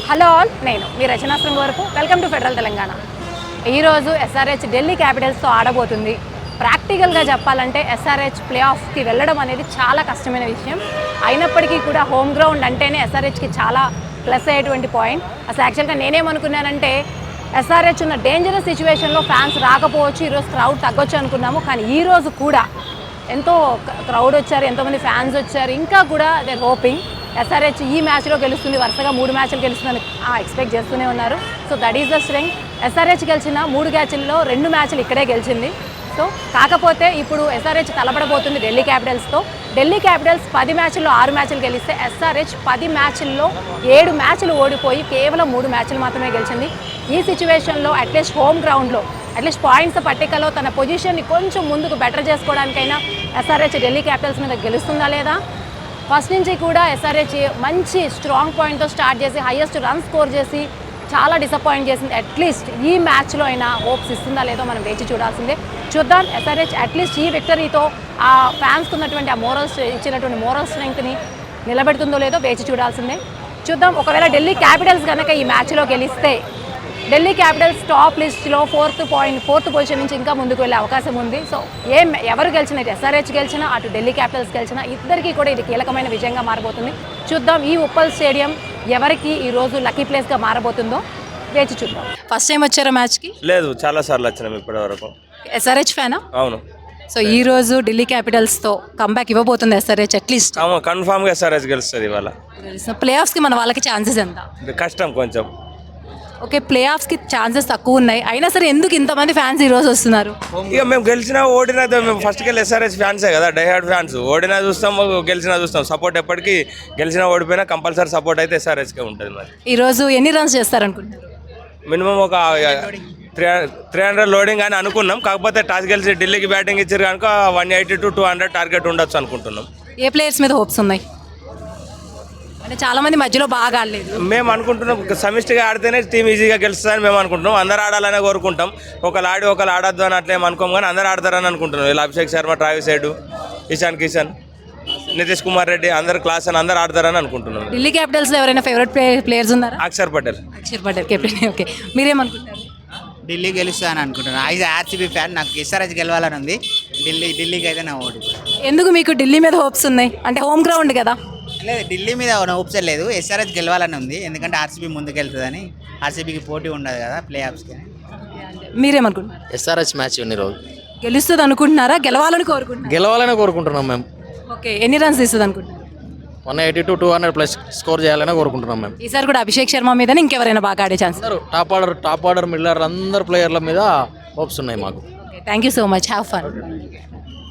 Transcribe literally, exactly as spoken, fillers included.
Hello all, నేను మీ రచనాశ్రం వరకు welcome to federal Telangana. ఈరోజు ఎస్ఆర్హెచ్ ఢిల్లీ క్యాపిటల్స్తో ఆడబోతుంది. ప్రాక్టికల్గా చెప్పాలంటే ఎస్ఆర్హెచ్ ప్లే ఆఫ్కి వెళ్ళడం అనేది చాలా కష్టమైన విషయం. అయినప్పటికీ కూడా హోమ్ గ్రౌండ్ అంటేనే ఎస్ఆర్హెచ్కి చాలా ప్లస్ అయ్యేటువంటి పాయింట్. అసలు యాక్చువల్గా నేనేమనుకున్నానంటే ఎస్ఆర్హెచ్ ఉన్న డేంజరస్ సిచ్యువేషన్లో ఫ్యాన్స్ రాకపోవచ్చు, ఈరోజు క్రౌడ్ తగ్గొచ్చు అనుకున్నాము. కానీ ఈరోజు కూడా ఎంతో క్రౌడ్ వచ్చారు, ఎంతోమంది ఫ్యాన్స్ వచ్చారు. ఇంకా కూడా దే హోపింగ్ ఎస్ఆర్హెచ్ ఈ మ్యాచ్లో గెలుస్తుంది, వరుసగా మూడు మ్యాచ్లు గెలుస్తుందని ఎక్స్పెక్ట్ చేస్తూనే ఉన్నారు. So that is the strength. SRH గెలిచిన మూడు మ్యాచ్ల్లో రెండు మ్యాచ్లు ఇక్కడే గెలిచింది. సో కాకపోతే ఇప్పుడు ఎస్ఆర్హెచ్ తలపడబోతుంది ఢిల్లీ క్యాపిటల్స్తో. ఢిల్లీ క్యాపిటల్స్ పది మ్యాచ్ల్లో ఆరు మ్యాచ్లు గెలిస్తే ఎస్ఆర్హెచ్ పది మ్యాచ్ల్లో ఏడు మ్యాచ్లు ఓడిపోయి కేవలం మూడు మ్యాచ్లు మాత్రమే గెలిచింది. ఈ సిచ్యువేషన్లో అట్లీస్ట్ హోమ్ గ్రౌండ్లో అట్లీస్ట్ పాయింట్స్ పట్టికలో తన పొజిషన్ని కొంచెం ముందుకు బెటర్ చేసుకోవడానికైనా ఎస్ఆర్హెచ్ ఢిల్లీ క్యాపిటల్స్ మీద గెలుస్తుందా లేదా? ఫస్ట్ నుంచి కూడా ఎస్ఆర్హెచ్ మంచి స్ట్రాంగ్ పాయింట్తో స్టార్ట్ చేసి హైయెస్ట్ రన్ స్కోర్ చేసి చాలా డిసప్పాయింట్ చేసింది. అట్లీస్ట్ ఈ మ్యాచ్లో అయినా హోప్స్ ఇస్తుందా లేదో మనం వేచి చూడాల్సిందే. చూద్దాం ఎస్ఆర్హెచ్ అట్లీస్ట్ ఈ విక్టరీతో ఆ ఫ్యాన్స్కి ఉన్నటువంటి ఆ మోరల్ ఇచ్చినటువంటి మోరల్ స్ట్రెంగ్త్ని నిలబెడుతుందో లేదో వేచి చూడాల్సిందే. చూద్దాం. ఒకవేళ ఢిల్లీ క్యాపిటల్స్ కనుక ఈ మ్యాచ్లో గెలిస్తే ఢిల్లీ క్యాపిటల్స్ టాప్ లిస్ట్లో ఫోర్త్ పాయింట్ ఫోర్త్ పొజిషన్ నుంచి ఇంకా ముందుకు వెళ్ళే అవకాశం ఉంది. సో ఏం ఎవరు గెలిచినా, ఎస్ఆర్హెచ్ గెలిచినా అటు ఢిల్లీ క్యాపిటల్స్ గెలిచినా ఇద్దరికీ కూడా ఇది కీలకమైన విజయంగా మారబోతుంది. చూద్దాం ఈ ఉప్పల్ స్టేడియం ఎవరికి ఈరోజు లక్కీ ప్లేస్గా మారబోతుందో వేచి చూద్దాం. ఫస్ట్ టైం వచ్చారా మ్యాచ్కి? లేదు, చాలా సార్లు వచ్చినాం ఇప్పటి వరకు. ఎస్ఆర్హెచ్ ఫ్యానా? అవును. సో ఈ రోజు ఢిల్లీ క్యాపిటల్స్తో కంబ్యాక్ ఇవ్వబోతుంది ఎస్ఆర్హెచ్ అట్లీస్ట్? అవును, కన్ఫామ్గా ఎస్ఆర్హెచ్ గెలుస్తుంది ఇవాళ. ప్లే ఆఫ్స్కి మన వాళ్ళకి ఛాన్సెస్ ఎంత? కష్టం కొంచెం. ఓకే, ప్లే ఆఫ్స్కి ఛాన్సెస్ తక్కువ ఉన్నాయి, అయినా సరే ఎందుకు ఇంతమంది ఫ్యాన్స్ ఈరోజు వస్తున్నారు? ఇక మేము గెలిచినా ఓడినా మేము ఫస్ట్కి వెళ్ళి ఎస్ఆర్హెచ్ ఫ్యాన్సే కదా, డైహార్డ్ ఫ్యాన్స్. ఓడినా చూస్తాం, గెలిచినా చూస్తాం. సపోర్ట్ ఎప్పటికీ గెలిచినా ఓడిపోయినా కంపల్సరీ సపోర్ట్ అయితే ఎస్ఆర్హెచ్కే ఉంటుంది. మరి ఈరోజు ఎన్ని రన్స్ చేస్తారనుకుంటున్నారు? మినిమం ఒక త్రీ త్రీ హండ్రెడ్ లోడింగ్ అని అనుకున్నాం. కాకపోతే టాస్ గెలిచి ఢిల్లీకి బ్యాటింగ్ ఇచ్చారు కనుక one eighty to two hundred target ఉండొచ్చు అనుకుంటున్నాం. ఏ ప్లేయర్స్ మీద హోప్స్ ఉన్నాయి? అంటే చాలా మంది మధ్యలో బాగా ఆడలేదు. మేము అనుకుంటున్నాం సమిష్టిగా ఆడితేనే టీం ఈజీగా గెలుస్తుందని మేము అనుకుంటున్నాం. అందరు ఆడాలనే కోరుకుంటాం. ఒకళ్ళు ఆడి ఒకళ్ళు ఆడొద్దు అని అట్లేం అనుకోం, కానీ అందరు ఆడతారని అనుకుంటున్నాం. ఇలా అభిషేక్ శర్మ, ట్రావిస్ హెడ్, ఇషాన్ కిషన్, నితీష్ కుమార్ రెడ్డి అందరు క్లాస్ అని అందరు ఆడతారని అనుకుంటున్నాం. ఢిల్లీ క్యాపిటల్స్లో ఎవరైనా ఫేవరెట్ ప్లేయర్స్ ఉన్నారా? అక్షర్ పటేల్. అక్షర్ పటేల్ కెప్టెన్. ఓకే, మీరేమనుకుంటారు? ఢిల్లీ గెలుస్తుందని అనుకుంటున్నాను. ఐజ్ ఆర్సీబీ ఫ్యాన్, నాకు ఎస్ఆర్హెచ్ గెలవాలని ఉంది. ఢిల్లీ ఢిల్లీకి అయితే నా ఓటు. ఎందుకు మీకు ఢిల్లీ మీద హోప్స్ ఉన్నాయి? అంటే హోమ్ గ్రౌండ్ కదా. లేదు, ఢిల్లీ మీద హోప్స్ లేదు, ఎస్ఆర్హెచ్ గెలవాలని ఉంది. ఎందుకంటే ఆర్సీబీ ముందుకు వెళ్తుందని, ఆర్సీబీకి పోటీ ఉండదు కదా ప్లే ఆఫ్స్కి. మీరేమనుకుంటున్నారు? ఎస్ఆర్హెచ్ మ్యాచ్ ఉంది రోజు. గెలుస్తుంది అనుకుంటున్నారా, గెలవాలని కోరుకుంటున్నారా? గెలవాలని కోరుకుంటున్నాం మేము. ఓకే, ఎన్ని రన్స్ ఇస్తుంది అనుకుంటున్నారు? One eighty to two hundred plus score చేయాలని కోరుకుంటున్నాం మేము. ఈసారి కూడా అభిషేక్ శర్మ మీద ఇంకెవరైనా బాగా ఆడే ఛాన్స్? అందరూ top order top order Miller అందరు ప్లేయర్ల మీద హోప్స్ ఉన్నాయి మాకు. Thank you so much, have fun.